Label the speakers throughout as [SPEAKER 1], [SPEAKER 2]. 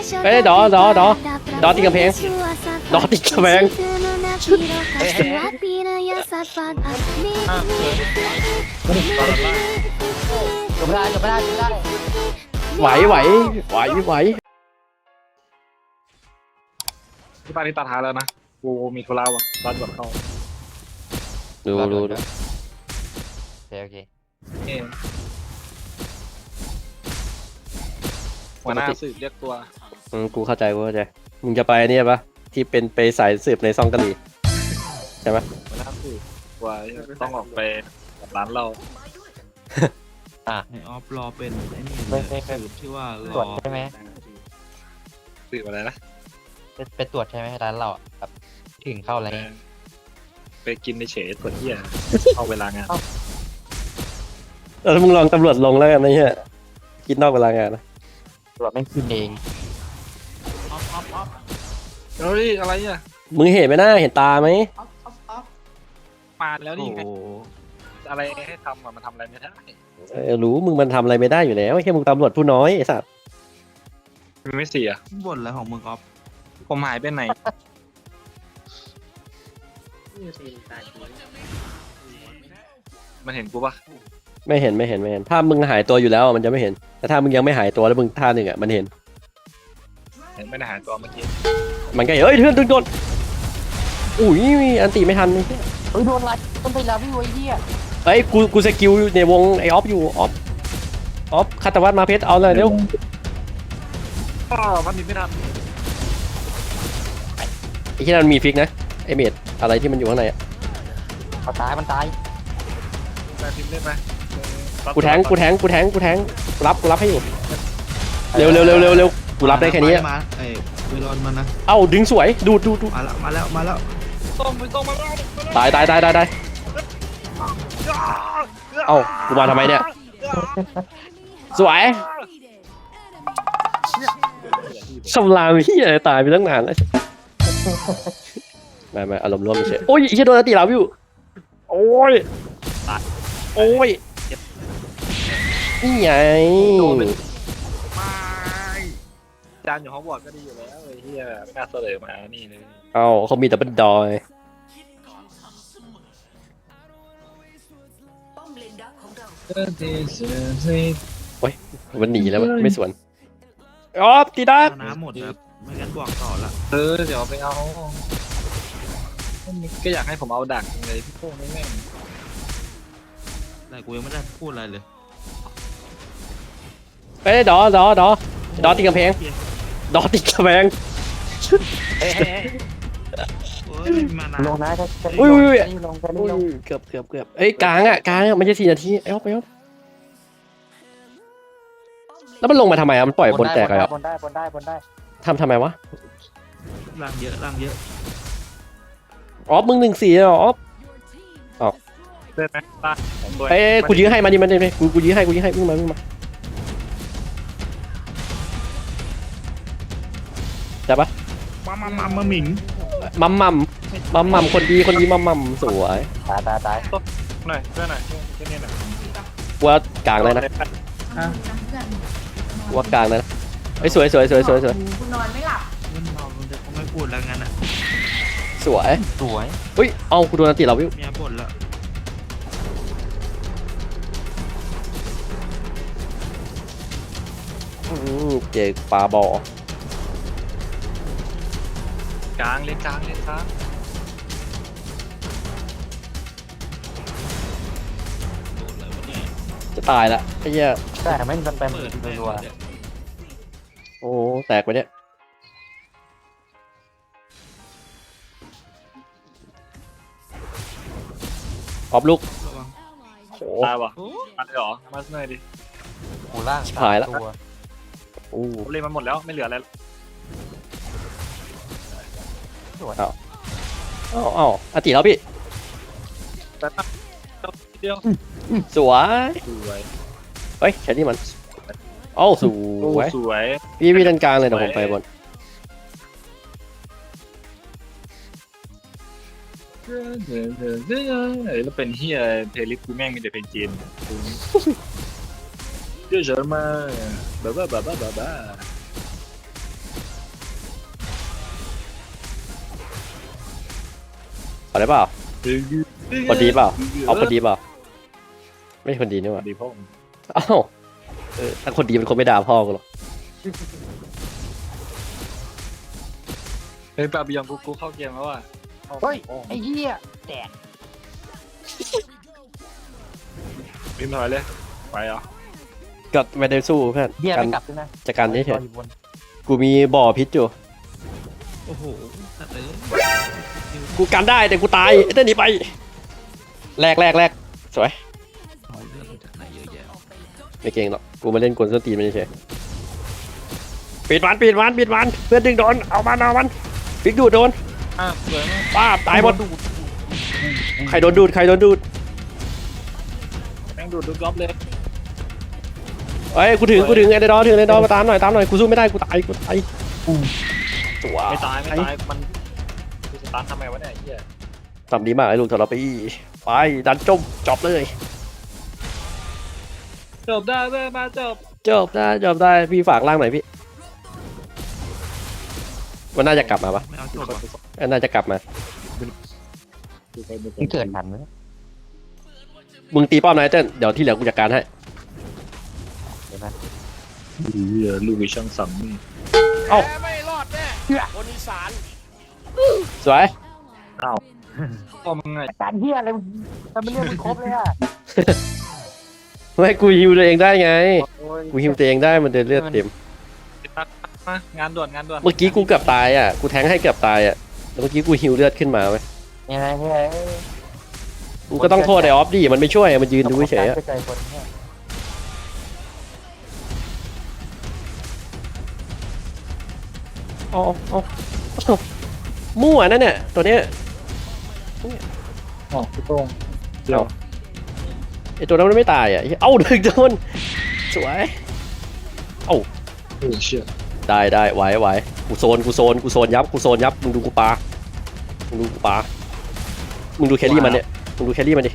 [SPEAKER 1] เอ้ยดอติดกำแพงดอติดกำแพง
[SPEAKER 2] จบไม่ได้จบไม่ได้จบไม่ได้
[SPEAKER 1] ไหว
[SPEAKER 3] ที่บ้านที่ตัดหาแล้วนะกูมีธุระว่ะรัดก่อนเข้า
[SPEAKER 1] ดู
[SPEAKER 2] โอเค
[SPEAKER 3] เองหัวหน้าสืบเรียกตัว
[SPEAKER 1] กูเข้าใจมึงจะไปเนี่ยปะที่เป็นไปสายสืบในซองกะหรี่ใช่ไหม
[SPEAKER 3] หัวหน้าสืบว่าต้องออกไปกับร้านเรา
[SPEAKER 4] ไอออฟรอเป็นไอ้นี่เลยสืบที่ว่า
[SPEAKER 2] ตร
[SPEAKER 4] ร
[SPEAKER 2] วจ
[SPEAKER 4] อ
[SPEAKER 2] ใช่ไหม
[SPEAKER 3] สืบอะไรนะ
[SPEAKER 2] ไปตรวจใช่ไหมร้านเราแบบถึงเข้าอะไร
[SPEAKER 3] ไปกินในเฉยตรวจเที่ยเอาเวลางาน
[SPEAKER 1] มึงลองตำรวจลงแล้วกันนะเฮียคิดนอกเวลางานนะ
[SPEAKER 2] ตรวจไม่ขึ้นเอง
[SPEAKER 4] ออฟ
[SPEAKER 3] เฮ้ยอะไรอ่ะ
[SPEAKER 1] มึงเห็นไหมนะเห็นตาไหม
[SPEAKER 3] มาแล้วนี่
[SPEAKER 4] โอ้
[SPEAKER 3] ไง
[SPEAKER 4] โห
[SPEAKER 3] อะไรให้ทำอ่ะมันทำอะไรไม่ได้
[SPEAKER 1] รู้มึงมันทำอะไรไม่ได้อยู่แล้วแค่มึงตำรวจผู้น้อยไอ้สัตว์
[SPEAKER 3] มันไม่เสีย
[SPEAKER 4] บ่นอะไรของมึงออฟ
[SPEAKER 3] ผมหายไปไหนมันเห็นกูปะ
[SPEAKER 1] ไม่เห็นถ้ามึงหายตัวอยู่แล้วมันจะไม่เห็นแต่ถ้ามึงยังไม่หายตัวแล้วมึงท่าหนึ่งอ่ะมันเห็น
[SPEAKER 3] เห็นไม่ได้หายตัวเมื่อกี้
[SPEAKER 1] มันก็เฮ้ยเพื่อนโดนอุ้ยอันตีไม่ทัน
[SPEAKER 2] เฮ้ยโดนอะไรต้นไปแล้วพี่ไอ้เหี้ย
[SPEAKER 1] เฮ้ยกูสกิลในวงไอออฟอยู่ออฟคาตวัตมาเพชรเอาเลยเร็ว
[SPEAKER 3] อ๋อมันหนีไม่ทัน
[SPEAKER 1] ไอ้ที่นั่นมีฟิกนะไอเมดอะไรที่มันอยู่ข้างในอ่ะ
[SPEAKER 2] มันตาย
[SPEAKER 3] แต่พิมพ์ได้ไหม
[SPEAKER 1] กูแทงรับให้อยู่เร็วกูรับได้แค่นี้อะ
[SPEAKER 4] มาไอ้เวลอนมันนะ
[SPEAKER 1] เอ้าดึงสวยดูด
[SPEAKER 4] มาแล้ว
[SPEAKER 3] ต้องมา
[SPEAKER 1] ตายเอ้ากูมาทำไมเนี่ยสวยสำรามที่อะไรตายไปตั้งนานแล้วไม่อารมณ์ร่วมเฉยโอ้ยไอ้เหี้ยโดนตีเราอยู่โอ้ยนี่ไง
[SPEAKER 3] ไม่จานอยู่ฮอกวอตส์ก็ดีอยู่แล้วไอ้เหี้ยไม่น่าเสลอมานี่เลย
[SPEAKER 1] เอ้าเขามีแต่เป็นดอยโอ้ยมันหนีแล้วไม่สวนอ๋อตีดัก
[SPEAKER 4] น้ำหมดครับไม่งั้นบอกต่อละ
[SPEAKER 3] เดี๋ยวไปเอาก็อยากให้ผมเอาดักเลยพี่โป้งนี่แม่ง
[SPEAKER 4] แต่กูยังไม่ได้พูดอะไรเลย
[SPEAKER 1] ไปดอติดกำแพงดอติดกำแพง
[SPEAKER 2] เฮ้ย
[SPEAKER 4] โอ้ยมานะ
[SPEAKER 2] ลงนะจะ
[SPEAKER 1] อุ้ย
[SPEAKER 2] ลงจะรีบลง
[SPEAKER 1] เกือบเอ้ยกลางอ่ะไม่ใช่4 นาทีไอ้อ๊อฟแล้วมันลงมาทำไมอ่ะมันปล่อยบนแตกเลยอ่ะ
[SPEAKER 2] บนได้
[SPEAKER 1] ทำไมวะ
[SPEAKER 4] ร่างเยอะ
[SPEAKER 1] อ๊อฟมึง1-4เหรออ๊อฟ
[SPEAKER 3] เดินไหมตาผมด้วย
[SPEAKER 1] เอ้ยกูยื้อให้มาดิมันเลยกูยื้อให้วิ่งมาจับปะ
[SPEAKER 4] มาหมิง
[SPEAKER 1] มัมคนดีมัมสวย
[SPEAKER 2] ตาย
[SPEAKER 3] หน่อยเพื่อนหน่อยแค่นี้หน่อย
[SPEAKER 1] ว่ากลางเลยนะว่ากลางเลยนะไอ้ยสวย
[SPEAKER 5] คุณนอนไม่หลับ
[SPEAKER 4] มันเมาแต่เขาไม่พูดแล้วงั้นอ่ะ
[SPEAKER 1] สวย
[SPEAKER 2] สวย
[SPEAKER 1] อุ้ยเอากูโดนอันติเราวิว
[SPEAKER 4] เมียบ่นแล้ว
[SPEAKER 1] เจอปลาบอ
[SPEAKER 3] กลางเลยกลาง
[SPEAKER 4] โดนอะไรวะเนี่ย
[SPEAKER 1] จะตายละไอ้เหี้ย
[SPEAKER 2] แต่ไม่มันเป็น
[SPEAKER 4] เปิดแม่ง
[SPEAKER 2] รัว
[SPEAKER 4] เลย
[SPEAKER 1] โอ้แตกไปเนี่ยออฟลูก
[SPEAKER 4] ระวัง
[SPEAKER 1] โห
[SPEAKER 3] ตายวะ
[SPEAKER 4] โอ้
[SPEAKER 3] มาเลยเหรอมาหน่อยดิ
[SPEAKER 2] หูล่าง
[SPEAKER 1] ชิบหายละ
[SPEAKER 2] ตัว
[SPEAKER 1] โอ้
[SPEAKER 3] ผมเล่นมันหมดแล้วไม่เหลืออะไร
[SPEAKER 1] เอาอันติแล้วพี่
[SPEAKER 3] แต่เดียว
[SPEAKER 1] สวย
[SPEAKER 3] สวย
[SPEAKER 1] เฮ้ยแค่นี้มันโอ้สวย
[SPEAKER 3] สวย
[SPEAKER 1] พี่ด้านกลางเลยเดี๋ยวผมไปบน
[SPEAKER 3] แล้วเป็นเฮียเพลย์ลิสต์กูแม่งมีแต่เพลงจีนเยอะเฉยมาบ้า
[SPEAKER 1] เอาได้เปล่าคนดีเปล่าเอาคนดีเปล่าไม่ใช่คนดีนี่หว่า
[SPEAKER 3] ดีพ่อ
[SPEAKER 1] อ้าวถ้าคนดีเป็นคนไม่ด่าพ่อกูหรอก
[SPEAKER 3] เฮ้ยปาบิยองกูเข้าเกมแล้วอ่ะ
[SPEAKER 2] เฮ้ยไอ้เหี้ยแตก
[SPEAKER 3] พิมพ์ถอยเลยไปเหรอ
[SPEAKER 1] ก็ไม่ได้สู้เพื่อน
[SPEAKER 2] เหี้ย
[SPEAKER 1] กั
[SPEAKER 2] ไม่
[SPEAKER 1] น
[SPEAKER 2] กลับด้วยนะ
[SPEAKER 1] จะกันนี่เถ
[SPEAKER 2] ร
[SPEAKER 1] อะ
[SPEAKER 2] อยู่บน
[SPEAKER 1] กูมีบ่อพิษอยู่
[SPEAKER 4] โอ้โหสัตว์เลย
[SPEAKER 1] กูกันได้แต่กูตายไอ้เต้นหนีไปแรกสวย
[SPEAKER 4] เอาเลือดมาจากไหนเยอะแยะ
[SPEAKER 1] ไม่เก่งหรอกกูมาเล่นกลส้นตีนมันเฉยปิดมันเพื่อนดึงโดนเอามันฟิกดูดโดน
[SPEAKER 3] สวยมาก
[SPEAKER 1] ป้าบตายหมดใครโดนดูด
[SPEAKER 3] แม่งดูดก๊อฟเลย
[SPEAKER 1] เอ้ยกูถึงไอ้เดอมาตามหน่อยกูสู้ไม่ได้กูตายตัว
[SPEAKER 3] ไม่ตายมันกูสตาร์ททำไมวะเนี่ยไอ้เหี้ย
[SPEAKER 1] ทำดีมากไอ้ลูกทรปีไปดันจบเลย
[SPEAKER 3] จบได้เว้ยมาจบ
[SPEAKER 1] จบได้พี่ฝากล่างหน่อยพี่มันน่าจะกลับมาปะ
[SPEAKER 4] ไม่เอาจบว่ะ
[SPEAKER 1] น่าจะกลับมา
[SPEAKER 2] มึงเกิดทันไหม
[SPEAKER 1] มึงตีป้อมนายเต้นเดี๋ยวที่เหลือกูจัดการให้
[SPEAKER 2] เดี๋ยวนะ
[SPEAKER 3] เหี้ยลูกวิช่างสังนี่
[SPEAKER 1] ไม่รอดแน่คนอีสานสวย
[SPEAKER 3] พ่อมึงไง
[SPEAKER 2] การเหี้ยอะไรมึงทำไมเรียกมึงครบเลยอ่ะ
[SPEAKER 1] ไม่กูฮิวตัวเองได้ไงกูฮิวตัวเองได้มันเดินเลือดเต็ม
[SPEAKER 3] มางานด่วน
[SPEAKER 1] เมื่อกี้กูเกือบตายอ่ะกูแทงให้เกือบตายอ่ะแล้วเมื่อกี้กูฮิวเลือดขึ้นมาไหม
[SPEAKER 2] ยังไงเนี่ย
[SPEAKER 1] กูก็ต้องโทษไอ้ออฟดิมันไม่ช่วยมันยืนดูเฉยๆอะ
[SPEAKER 2] ใจคนเนี่ย
[SPEAKER 1] เอามั่วนั่นเนี่ยตัวเนี้ย
[SPEAKER 3] อ๋อพี่โต้งเดี๋ยว
[SPEAKER 1] ไอ้ตัวนั้นมันไม่ตายอ่ะเอ้าดึงโดนสวย
[SPEAKER 3] โอ้เชี่ย
[SPEAKER 1] ได้ไหวกูโซนยับมึงดูกูปามึงดูแครี่มันเนี่ยมึงดูแครี่มันดิ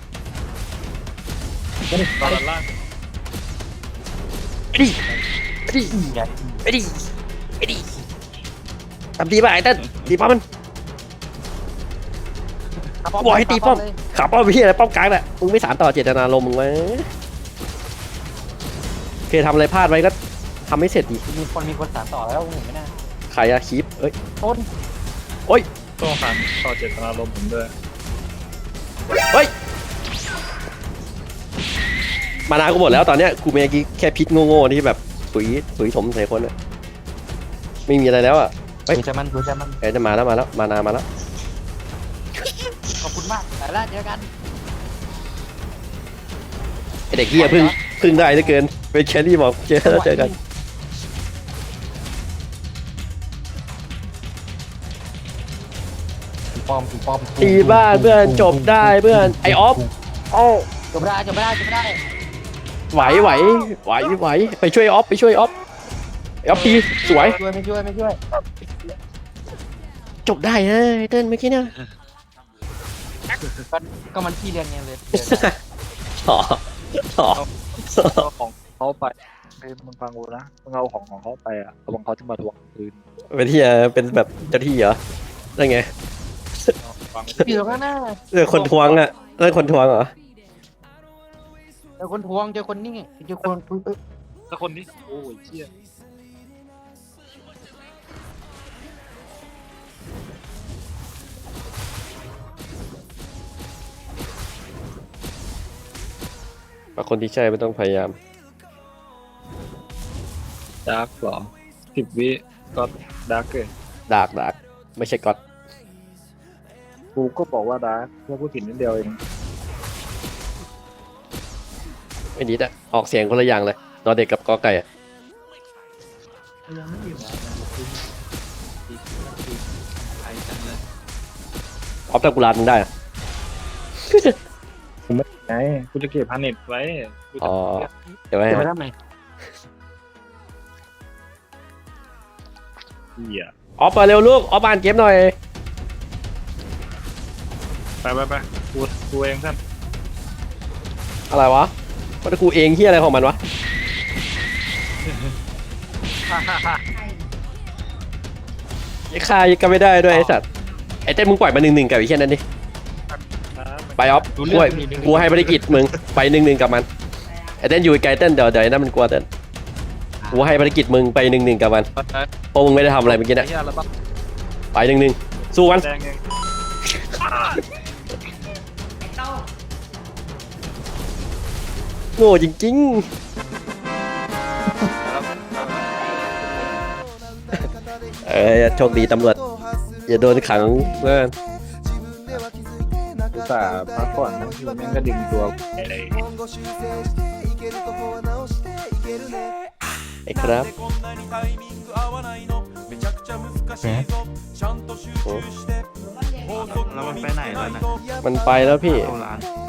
[SPEAKER 3] ตอนล่าง
[SPEAKER 1] ไปดิทำดีป่ะไอ้เต้นตีป้อมมันบอกให้ตีป้อมขับป้อมพี่อะไรป้อมกลางแหละมึงไม่สานต่อเจตนารมณ์มึงไว้เคยทำอะไรพลาดไว้ก็ทำไม่เสร็จดิ
[SPEAKER 2] มีคนสานต่อแล้วมึงเห็นไหมน่ะ
[SPEAKER 1] ใครอะคีปเอ้ย
[SPEAKER 2] ต้น
[SPEAKER 3] ต้องสารต่อเจตนารมณ์ผมด้วย
[SPEAKER 1] มานากูหมดแล้วตอนเนี้ยกูเมื่อกี้แค่พิษโง่ๆที่แบบปุ๋ยถมใส่คนอะไม่มีอะไรแล้วอะ
[SPEAKER 2] ดูจะมัน
[SPEAKER 1] เอ้ยจะมาแล้วมานามาแล้ว
[SPEAKER 2] ขอบคุณมากแต่ละเจอกัน
[SPEAKER 1] ไอเด็กเหี้ยพึ่งได้เหลือเกินเป็นแครี่บอกเจอกัน
[SPEAKER 2] ปอม
[SPEAKER 1] ตีบ้านเพื่อนจบได้เพื่อนไอออฟโอ้
[SPEAKER 2] จบไม่ได้
[SPEAKER 1] ไหวไปช่วยออฟไอออฟตีสวย
[SPEAKER 2] ไม่ช่วย
[SPEAKER 1] จบได้นะไอเติ้ลเมื่อกี้เนี่ย
[SPEAKER 2] ก็มันพี่เรียนไงเลย
[SPEAKER 1] ต่อ
[SPEAKER 3] เอาของเขาไปมึงฟังกูนะมึงเอาของเขาไปอ่ะระวังเขาจะมาทวงคืน
[SPEAKER 1] เป็นที่เป็นแบบเจ้าที่เหรอได้ไง
[SPEAKER 3] ฟัง
[SPEAKER 2] อยู่ข้างหน้า
[SPEAKER 1] คนทวงอ่ะคนทวงเหรอ
[SPEAKER 2] เจอคนทวงเจอคนนี่เจอคน
[SPEAKER 3] แต่คนนี้โอ้ยเชี่ย
[SPEAKER 1] คนที่ใช่ไม่ต้องพยายาม
[SPEAKER 3] ดาร์กเหรอ10 วิก็ดาร์กเลย
[SPEAKER 1] ดากไม่ใช่ก๊อต
[SPEAKER 3] กูก็บอกว่าดาร์กแค่พูดผิดนิดเดียวเอง
[SPEAKER 1] ไม่ดีอ่ะออกเสียงคนละอย่างเลยนอนเด็กกับกอไก่อะ
[SPEAKER 4] ยังไม่มีหมอไปจังเลย
[SPEAKER 1] ออฟตะกุลานมึงได้อะ
[SPEAKER 3] ไงกูจะเก็บพันเน็ตไว้กูจะ
[SPEAKER 1] อ๋อเดี๋ยวไว้
[SPEAKER 2] จะไป
[SPEAKER 1] ให้
[SPEAKER 2] ทำไม
[SPEAKER 3] เหี้ย
[SPEAKER 1] ออฟมาเร็วลูกออฟอ่านเกมหน่อย
[SPEAKER 3] ไปกูเองท่าน
[SPEAKER 1] อะไรวะว่ากูเองเฮียอะไรของมันวะไอ้ข้ายังก็ไม่ได้ด้วยไอ้สัตว์ไอ้เต้นมึงปล่อยมา1-1กับไอ้เหี้ยนั่นดิไปออฟกูให้ภารกิจมึงไป1-1กับมันไอ้เต้นอยู่ไกลเต้นเดี๋ยวไอ้นั่นมันกลัวเต้นกูให้ภารกิจมึงไป1-1กับมันเพราะมึงไม่ได้ทำอะไรเมื่อกี้นะ
[SPEAKER 3] เฮียแล้วบ้าง
[SPEAKER 1] ไป1-1สู้มัน
[SPEAKER 3] แดงเอง
[SPEAKER 5] เต้า
[SPEAKER 1] โง่จริงๆโชคดีตำรวจอย่าโดนขังเพื่อน
[SPEAKER 3] อุตส่าห์พักก่อนนะอยู่แม่งก็ดึงตัวอะไร
[SPEAKER 1] ไอ้ครับ
[SPEAKER 4] แล้วมันไปไหนแล้วนะ
[SPEAKER 1] มันไปแล้วพี่
[SPEAKER 4] เข้าร้าน